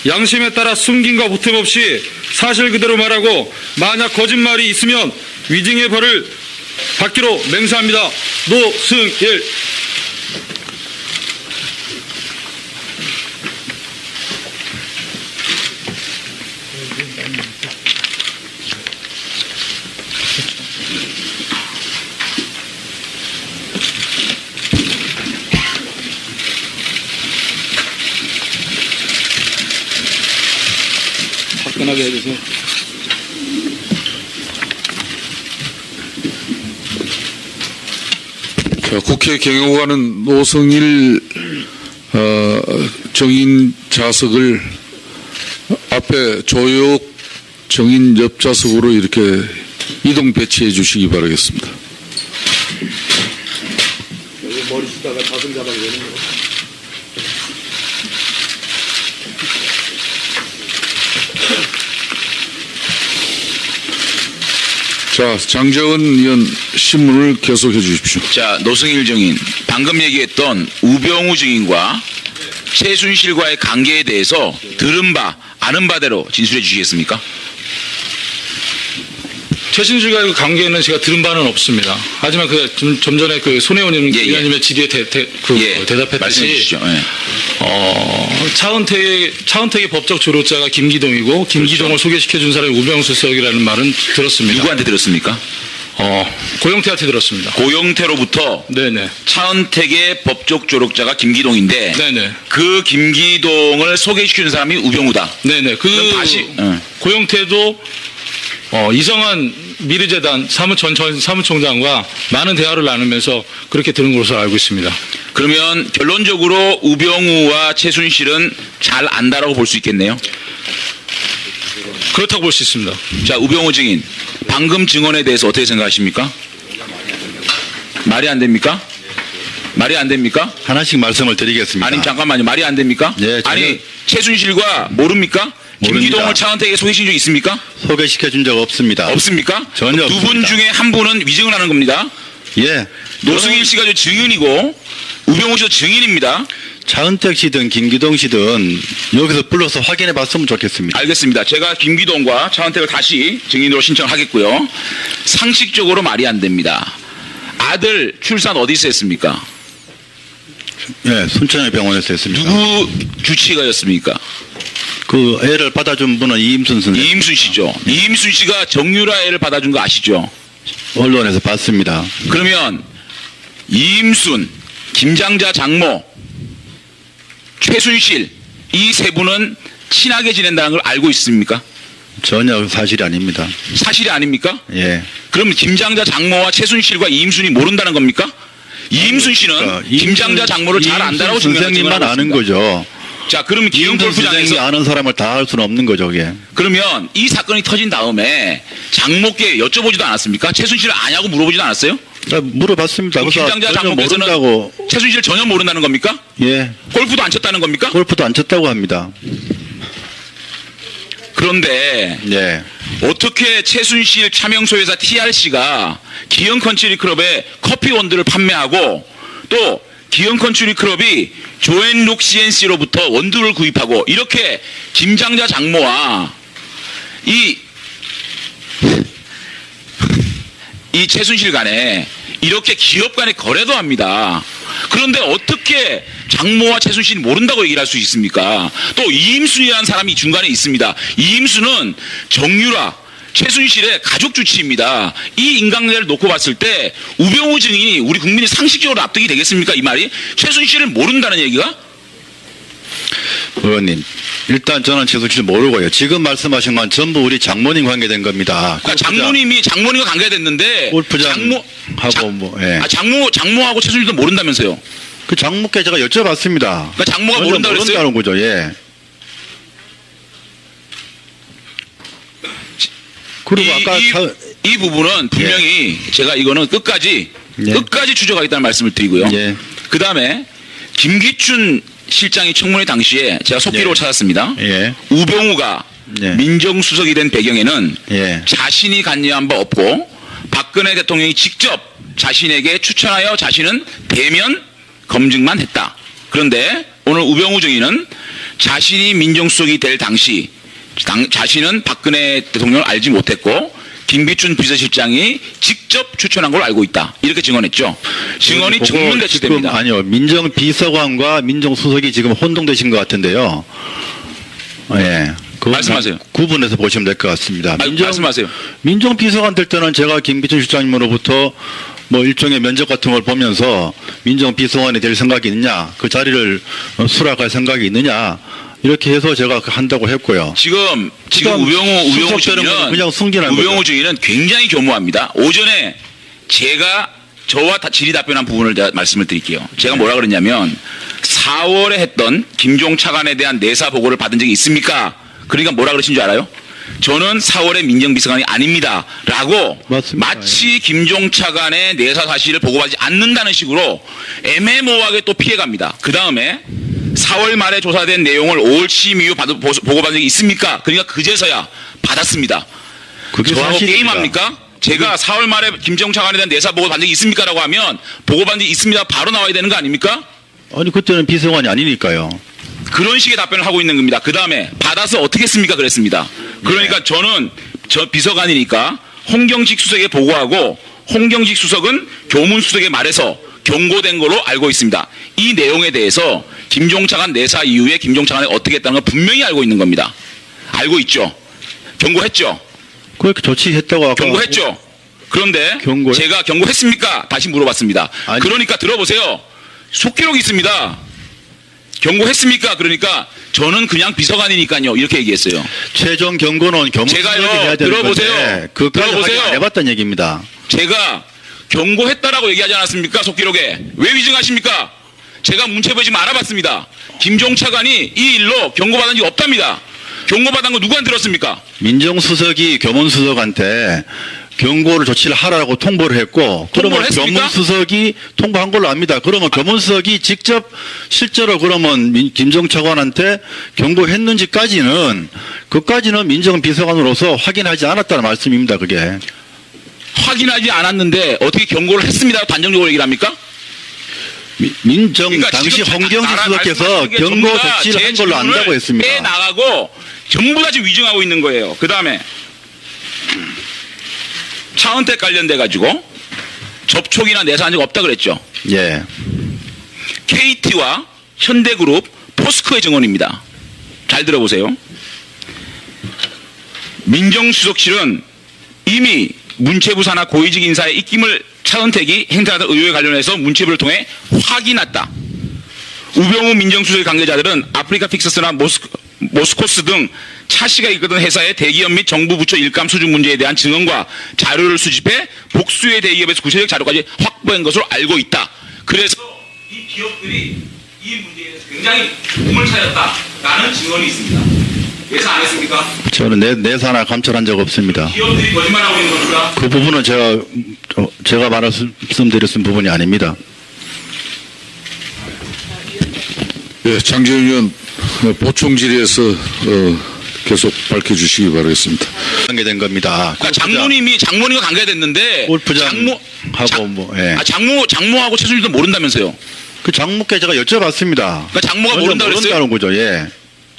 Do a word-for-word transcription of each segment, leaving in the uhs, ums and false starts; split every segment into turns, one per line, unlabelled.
양심에 따라 숨김과 보탬 없이 사실 그대로 말하고 만약 거짓말이 있으면 위증의 벌을 받기로 맹세합니다. 노승일. 화끈하게 해주세요.
자, 국회 경영관은 노승일 어, 정인 좌석을 앞에 조혁 정인 옆 좌석으로 이렇게 이동 배치해 주시기 바라겠습니다.
여기 머리 쓰다가 가슴 잡아야 되는 거.
자, 장재원 의원 신문을 계속해 주십시오.
자, 노승일 증인, 방금 얘기했던 우병우 증인과 최순실과의 관계에 대해서 들은 바, 아는 바대로 진술해 주시겠습니까?
최순실과 그 관계는 제가 들은 바는 없습니다. 하지만 그 좀, 좀 전에 그 손혜원
예, 예.
의원님의 질의에 대, 대, 그
예,
대답했듯이
말씀해 주시죠. 예.
어, 차은택의, 차은택의 법적 조력자가 김기동이고 김기동을
그렇죠.
소개시켜 준 사람이 우병수 수석이라는 말은 들었습니다.
누구한테 들었습니까?
어, 고영태한테 들었습니다.
고영태로부터
네네.
차은택의 법적 조력자가 김기동인데
네네.
그 김기동을 소개시키는 사람이 우병우다.
네네. 그
그럼 다시 응.
고영태도 어, 이성한 미르재단 사무전 전 사무총장과 많은 대화를 나누면서 그렇게 들은 것으로 알고 있습니다.
그러면 결론적으로 우병우와 최순실은 잘 안다라고 볼 수 있겠네요.
그렇다고 볼 수 있습니다.
자, 우병우 증인, 방금 증언에 대해서 어떻게 생각하십니까? 말이 안 됩니까? 말이 안 됩니까?
하나씩 말씀을 드리겠습니다.
아니 잠깐만요. 말이 안 됩니까?
네, 저는
아니 최순실과 모릅니까?
모릅니다.
김기동을 차은택에게 소개시킨 적 있습니까?
소개시켜 준 적 없습니다.
없습니까?
전혀
두 분
없습니다.
중에 한 분은 위증을 하는 겁니다.
예.
노승일 씨가 저 증인이고 우병우 씨도 증인입니다.
차은택 씨든 김기동 씨든 여기서 불러서 확인해 봤으면 좋겠습니다.
알겠습니다. 제가 김기동과 차은택을 다시 증인으로 신청하겠고요. 상식적으로 말이 안 됩니다. 아들 출산 어디서 했습니까?
예, 순천의 병원에서 했습니다.
누구 주치의가였습니까?
그 애를 받아준 분은 이임순 선생.
이임순 씨죠. 이임순 씨가 정유라 애를 받아준 거 아시죠?
언론에서 봤습니다.
그러면 이임순, 김장자 장모, 최순실 이 세 분은 친하게 지낸다는 걸 알고 있습니까?
전혀 사실이 아닙니다.
사실이 아닙니까?
예.
그럼 김장자 장모와 최순실과 이임순이 모른다는 겁니까? 이임순 씨는
그러니까
김장자 장모를 잘 안다라고
이임순 선생님만 아는 거죠.
자, 그러면 기흥
이임순 선생님이
골프장에서
아는 사람을 다 할 수는 없는 거죠, 그게.
그러면 이 사건이 터진 다음에 장모께 여쭤보지도 않았습니까? 최순실을 아냐고 물어보지도 않았어요?
나 물어봤습니다. 그래서
김장자
전혀
장모께서는
모른다고.
최순실 전혀 모른다는 겁니까?
예.
골프도 안 쳤다는 겁니까?
골프도 안 쳤다고 합니다.
그런데
예.
어떻게 최순실 차명소 회사 티알씨가 기흥 컨츄리 클럽에 커피 원두를 판매하고 또 기흥 컨츄리 클럽이 조앤룩 씨엔씨로부터 원두를 구입하고 이렇게 김장자 장모와 이, 이 최순실 간에 이렇게 기업 간의 거래도 합니다. 그런데 어떻게 장모와 최순실이 모른다고 얘기를 할 수 있습니까? 또 이임순이라는 사람이 중간에 있습니다. 이임순은 정유라, 최순실의 가족 주치입니다. 이 인간관계를 놓고 봤을 때 우병우 증인이 우리 국민이 상식적으로 납득이 되겠습니까? 이 말이? 최순실을 모른다는 얘기가?
의원님, 일단 저는 최순실 모르고요. 지금 말씀하신 건 전부 우리 장모님 관계된 겁니다.
그러니까 장모님이 장모님과 관계됐는데
골프장
장모
하고
장,
뭐, 예.
아, 장모 장모하고 최순실도 모른다면서요?
그 장모께 제가 여쭤봤습니다.
그러니까 장모가
전혀
모른다 그랬어요?
모른다는 거죠. 예. 그리고
이,
아까
이,
차,
이 부분은 분명히 제가 이거는 끝까지
예.
끝까지 추적하겠다는 말씀을 드리고요.
예.
그 다음에 김기춘 실장이 청문회 당시에 제가 속기록을
예.
찾았습니다.
예.
우병우가
예.
민정수석이 된 배경에는
예.
자신이 관여한 바 없고 박근혜 대통령이 직접 자신에게 추천하여 자신은 대면 검증만 했다. 그런데 오늘 우병우 증인은 자신이 민정수석이 될 당시 당, 자신은 박근혜 대통령을 알지 못했고 김기춘 비서실장이 직접 추천한 걸로 알고 있다. 이렇게 증언했죠. 증언이
그거
정문
지금
대치됩니다.
아니요. 민정비서관과 민정수석이 지금 혼동되신 것 같은데요. 예. 그거
말씀하세요.
구분해서 보시면 될 것 같습니다.
아, 말씀하세요.
민정비서관 될 때는 제가 김기춘 실장님으로부터 뭐 일종의 면접 같은 걸 보면서 민정비서관이 될 생각이 있느냐, 그 자리를 어, 수락할 생각이 있느냐, 이렇게 해서 제가 한다고 했고요.
지금 지금
그다음
우병우 우병우
수석되는 거는
중위는
그냥 승진한
우병우
거죠.
중위는 굉장히 교묘합니다. 오전에 제가 저와 다 질의 답변한 부분을 제가 말씀을 드릴게요. 제가 뭐라 그랬냐면 사월에 했던 김종 차관에 대한 내사 보고를 받은 적이 있습니까? 그러니까 뭐라 그러신 줄 알아요? 저는 사월에 민정비서관이 아닙니다. 라고
맞습니다.
마치 김종 차관의 내사 사실을 보고받지 않는다는 식으로 애매모호하게 또 피해갑니다. 그 다음에 사월 말에 조사된 내용을 오월 취임 이후 받, 보고받은 적이 있습니까? 그러니까 그제서야 받았습니다.
그게
저하고
사실입니다.
게임합니까? 제가 사월 말에 김정 차관에 대한 내사 보고 받은 적이 있습니까? 라고 하면 보고 받은 적이 있습니다. 바로 나와야 되는 거 아닙니까?
아니 그때는 비서관이 아니니까요.
그런 식의 답변을 하고 있는 겁니다. 그 다음에 받아서 어떻게 했습니까? 그랬습니다. 그러니까
네.
저는 저 비서관이니까 홍경식 수석에 보고하고 홍경식 수석은 교문 수석에 말해서 경고된 걸로 알고 있습니다. 이 내용에 대해서 김종 차관 내사 이후에 김종 차관이 어떻게 했다는 걸 분명히 알고 있는 겁니다. 알고 있죠. 경고했죠.
그렇게 조치했다고 아까
경고했죠. 그런데
경고요?
제가 경고했습니까? 다시 물어봤습니다.
아니.
그러니까 들어보세요. 속기록이 있습니다. 경고했습니까? 그러니까 저는 그냥 비서관이니까요. 이렇게 얘기했어요.
최종 경고는 교문수석이
제가요,
해야 되는
들어보세요.
건데 그까지
들어보세요.
확인 안 해봤다는 얘기입니다.
제가 경고했다라고 얘기하지 않았습니까? 속기록에. 왜 위증하십니까? 제가 문체부에 지금 알아봤습니다. 김종 차관이 이 일로 경고받은 적이 없답니다. 경고받은 거 누구한테 들었습니까?
민정수석이 교문수석한테 경고를 조치를 하라고 통보를 했고 그러면
했습니까?
교문수석이 통보한 걸로 압니다. 그러면 교문수석이 직접 실제로 그러면 민- 김종 차관한테 경고했는지까지는 그까지는 민정비서관으로서 확인하지 않았다는 말씀입니다. 그게.
확인하지 않았는데 어떻게 경고를 했습니다. 단정적으로 얘기를 합니까?
미- 민정
그러니까
당시
지금
홍경식
나라
수석께서
말씀하시는 게
경고
전부 다
조치를
제
한 걸로
질문을
안다고 했습니다.
빼나가고 전부 다 지금 위증하고 있는 거예요. 그 다음에 차은택 관련돼 가지고 접촉이나 내사한 적 없다 그랬죠.
예.
케이티와 현대그룹, 포스코의 증언입니다. 잘 들어보세요. 민정수석실은 이미 문체부 산하 고위직 인사의 입김을 차은택이 행사하던 의혹에 관련해서 문체부를 통해 확인했다. 우병우 민정수석 관계자들은 아프리카 픽서스나 모스코, 모스코스 등 차 씨가 이끄던 회사의 대기업 및 정부 부처 일감 수준 문제에 대한 증언과 자료를 수집해 복수의 대기업에서 구체적 자료까지 확보한 것으로 알고 있다. 그래서 이 기업들이 이 문제에 대해서 굉장히 도움을 찾았다라는 증언이 있습니다. 예상 안 했습니까?
저는 내, 내사나 감찰한 적 없습니다.
기업들이 거짓말하고 있는 겁니까?
그 부분은 제가 어, 제가 말씀드렸은 부분이 아닙니다.
예, 장재훈 의원 어, 보충 질의에서 어, 계속 밝혀주시기 바라겠습니다.
관계된 겁니다.
그러니까 장모님이 장모님과 관계됐는데
골프장하고
장모
뭐, 예.
아, 장모 장모하고 최순실도 모른다면서요?
그 장모께 제가 여쭤봤습니다.
그러니까 장모가
먼저
모른다 그랬어요?
모른다는 거죠. 예.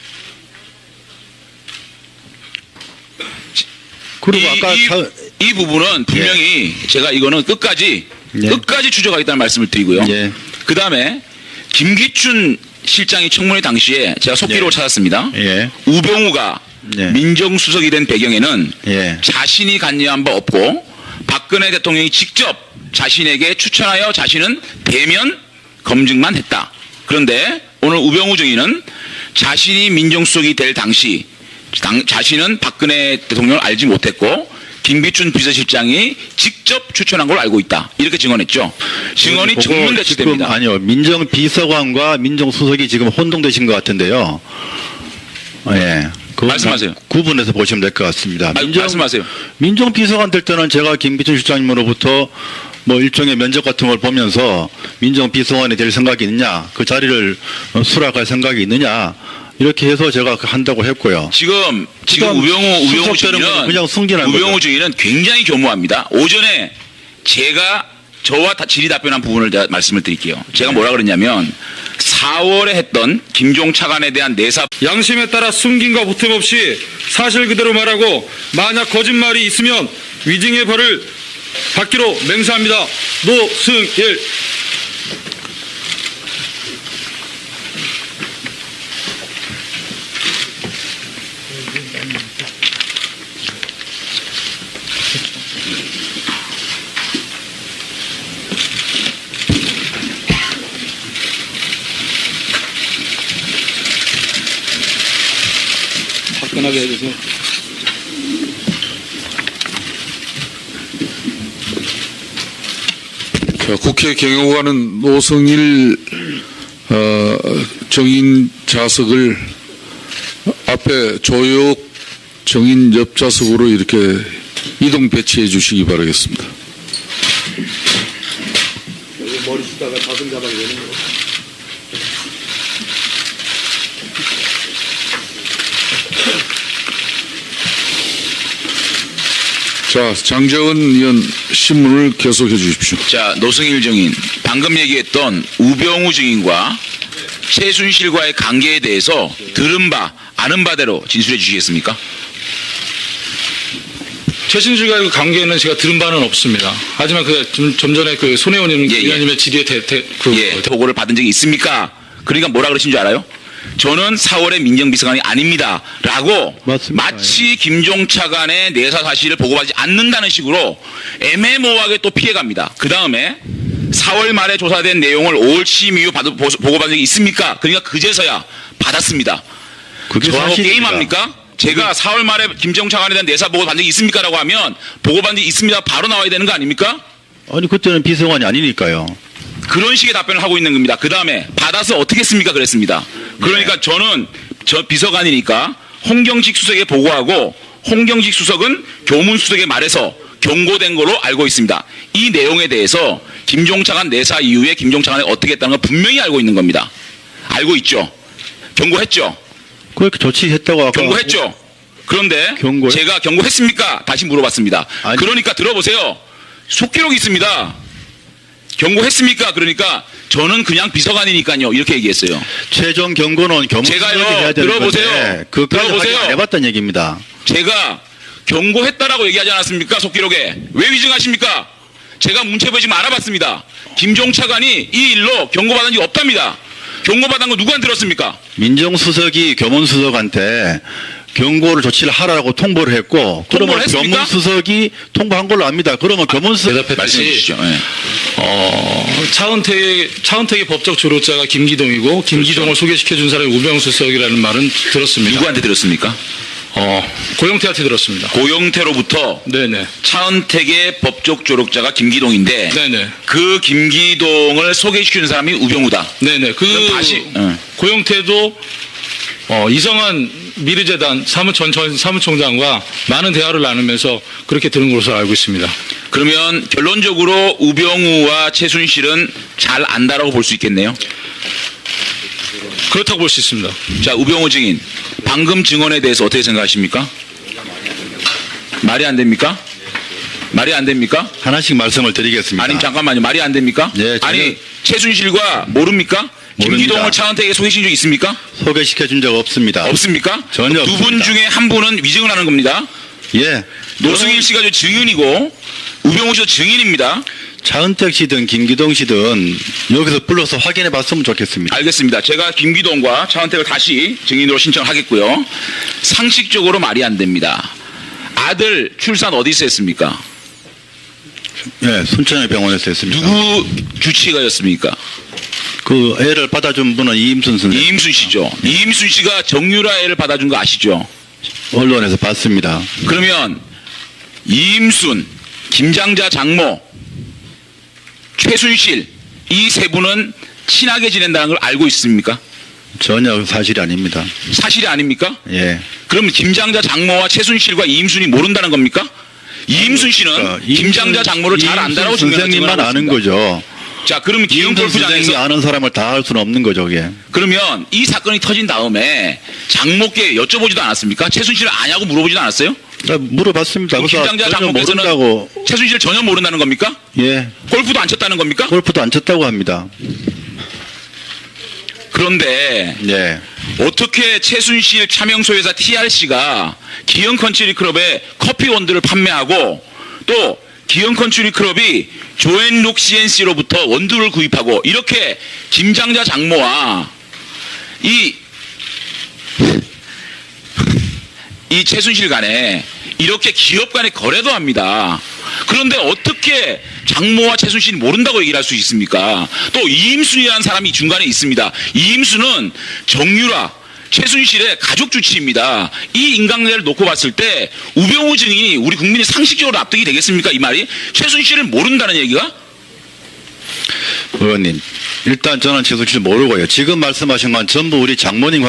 그리고
이,
아까
이,
차-
이 부분은 분명히 제가 이거는 끝까지
예.
끝까지 추적하겠다는 말씀을 드리고요.
예.
그 다음에 김기춘 실장이 청문회 당시에 제가 속기록을
예.
찾았습니다.
예.
우병우가
예.
민정수석이 된 배경에는
예.
자신이 관여한 바 없고 박근혜 대통령이 직접 자신에게 추천하여 자신은 대면 검증만 했다. 그런데 오늘 우병우 증인은 자신이 민정수석이 될 당시 당, 자신은 박근혜 대통령을 알지 못했고 김기춘 비서실장이 직접 추천한 걸로 알고 있다. 이렇게 증언했죠. 증언이
그거
정문
지금
대치됩니다.
아니요. 민정비서관과 민정수석이 지금 혼동되신 것 같은데요. 예. 그거
말씀하세요.
구분해서 보시면 될 것 같습니다.
아, 말씀하세요.
민정비서관 될 때는 제가 김기춘 실장님으로부터 뭐 일종의 면접 같은 걸 보면서 민정비서관이 될 생각이 있느냐, 그 자리를 어, 수락할 생각이 있느냐, 이렇게 해서 제가 한다고 했고요.
지금 지금
그다음
우병우 우병우
수석되는 거는
증인은
그냥 승진한
우병우
거죠.
증인은 굉장히 교묘합니다. 오전에 제가 저와 다 질의 답변한 부분을 제가 말씀을 드릴게요. 제가 뭐라 그랬냐면 사월에 했던 김종 차관에 대한 내사
양심에 따라 숨김과 보탬 없이 사실 그대로 말하고 만약 거짓말이 있으면 위증의 벌을 받기로 맹세합니다. 노승일. 화끈하게 해주세요.
자, 국회 경영관은 노승일 어, 정인 좌석을 앞에 조혁 정인 옆 좌석으로 이렇게 이동 배치해 주시기 바라겠습니다.
머리 쓰다가 가슴 잡아야 되는 거.
자, 장재원 의원 신문을 계속해 주십시오.
자, 노승일 증인, 방금 얘기했던 우병우 증인과 최순실과의 관계에 대해서 들은 바, 아는 바대로 진술해 주시겠습니까?
최순실과의 그 관계는 제가 들은 바는 없습니다. 하지만 그 좀 전에 그 손혜원
예, 예.
의원님의 질의에 대, 대, 그
예, 보고를 받은 적이 있습니까? 그러니까 뭐라 그러신 줄 알아요? 저는 사월에 민정비서관이 아닙니다. 라고
맞습니다.
마치 김종 차관의 내사 사실을 보고받지 않는다는 식으로 애매모호하게 또 피해갑니다. 그 다음에 사월 말에 조사된 내용을 오월 취임 이후 받- 보고받은 적이 있습니까? 그러니까 그제서야 받았습니다.
그게
저하고
사실입니다.
게임합니까? 제가 사월 말에 김종 차관에 대한 내사 보고 받은 적이 있습니까? 라고 하면 보고받은 적이 있습니다. 바로 나와야 되는 거 아닙니까?
아니 그때는 비서관이 아니니까요.
그런 식의 답변을 하고 있는 겁니다. 그 다음에 받아서 어떻게 했습니까? 그랬습니다. 그러니까 저는 저 비서관이니까 홍경식 수석에 보고하고 홍경식 수석은 교문 수석에 말해서 경고된 걸로 알고 있습니다. 이 내용에 대해서 김종 차관 내사 이후에 김종 차관이 어떻게 했다는 걸 분명히 알고 있는 겁니다. 알고 있죠. 경고했죠.
그렇게 조치했다고 아까
경고했죠. 그런데
경고요?
제가 경고했습니까? 다시 물어봤습니다.
아니.
그러니까 들어보세요. 속기록이 있습니다. 경고했습니까? 그러니까 저는 그냥 비서관이니까요. 이렇게 얘기했어요.
최종 경고는 교문
제가요,
수석이 해야 되는
들어보세요.
건데 그까지
들어보세요.
확인 안 해봤다는 얘기입니다.
제가 경고했다라고 얘기하지 않았습니까? 속기록에. 왜 위증하십니까? 제가 문체부에 지금 알아봤습니다. 김종 차관이 이 일로 경고받은 적이 없답니다. 경고받은 거 누구한테 들었습니까?
민정수석이 교문수석한테 경고를 조치를 하라고 통보를 했고 그러면
했습니까?
교문수석이 통보한 걸로 압니다. 그러면 교문수석
대답했듯이
말씀해 주시죠. 예.
어, 차은택의, 차은택의 법적 조력자가 김기동이고 김기동을 소개시켜준 사람이 우병우 수석이라는 말은 들었습니다.
누구한테 들었습니까?
어, 고영태한테 들었습니다.
고영태로부터
네네.
차은택의 법적 조력자가 김기동인데
네네.
그 김기동을 소개시키는 사람이 우병우다.
네네. 그
그럼 다시, 응.
고영태도 어, 이성한 미르재단 사무총, 전 사무총장과 많은 대화를 나누면서 그렇게 들은 것으로 알고 있습니다.
그러면 결론적으로 우병우와 최순실은 잘 안다라고 볼 수 있겠네요.
그렇다고 볼 수 있습니다.
자, 우병우 증인, 방금 증언에 대해서 어떻게 생각하십니까? 말이 안 됩니까? 말이 안 됩니까?
하나씩 말씀을 드리겠습니다.
아니 잠깐만요. 말이 안 됩니까?
네, 전혀-
아니 최순실과 모릅니까?
모릅니다.
김기동을 차은택에게 소개시킨 적 있습니까?
소개시켜준 적 없습니다.
없습니까?
전혀
두 분
없습니다.
중에 한 분은 위증을 하는 겁니다.
예.
노승일 씨가 저 증인이고 우병우 씨도 증인입니다.
차은택 씨든 김기동 씨든 여기서 불러서 확인해 봤으면 좋겠습니다.
알겠습니다. 제가 김기동과 차은택을 다시 증인으로 신청하겠고요. 상식적으로 말이 안 됩니다. 아들 출산 어디서 했습니까?
예, 순천의 병원에서 했습니다.
누구 주치의가였습니까?
그 애를 받아준 분은 이임순 선생
이임순 씨죠. 이임순 씨가 정유라 애를 받아준 거 아시죠?
언론에서 봤습니다.
그러면 이임순, 김장자 장모, 최순실 이 세 분은 친하게 지낸다는 걸 알고 있습니까?
전혀 사실이 아닙니다.
사실이 아닙니까?
예.
그럼 김장자 장모와 최순실과 이임순이 모른다는 겁니까? 이임순 씨는
그러니까
김장자 장모를 잘 안다라고
이임순
증명하고
선생님만 아는
있습니다.
거죠.
자, 그러면 기흥
이임순 선생님이
골프장에서
아는 사람을 다 알 수는 없는 거죠, 그게.
그러면 이 사건이 터진 다음에 장모께 여쭤보지도 않았습니까? 최순실을 아냐고 물어보지도 않았어요?
나 물어봤습니다.
그럼
그래서
김장자
전혀
장모께서는
모른다고.
최순실을 전혀 모른다는 겁니까?
예.
골프도 안 쳤다는 겁니까?
골프도 안 쳤다고 합니다.
그런데
예.
어떻게 최순실 차명소회사 티알씨가 기영컨츄리클럽에 커피원두를 판매하고 또 기영컨츄리클럽이 조앤룩 씨엔씨로부터 원두를 구입하고 이렇게 김장자 장모와 이, 이 최순실 간에 이렇게 기업 간의 거래도 합니다. 그런데 어떻게 장모와 최순실이 모른다고 얘기를 할 수 있습니까? 또 이임순이라는 사람이 중간에 있습니다. 이임순은 정유라, 최순실의 가족 주치입니다. 이 인간관계를 놓고 봤을 때 우병우 증인이 우리 국민이 상식적으로 납득이 되겠습니까? 이 말이? 최순실을 모른다는 얘기가?
의원님, 일단 저는 최순실 모르고요. 지금 말씀하신 건 전부 우리 장모님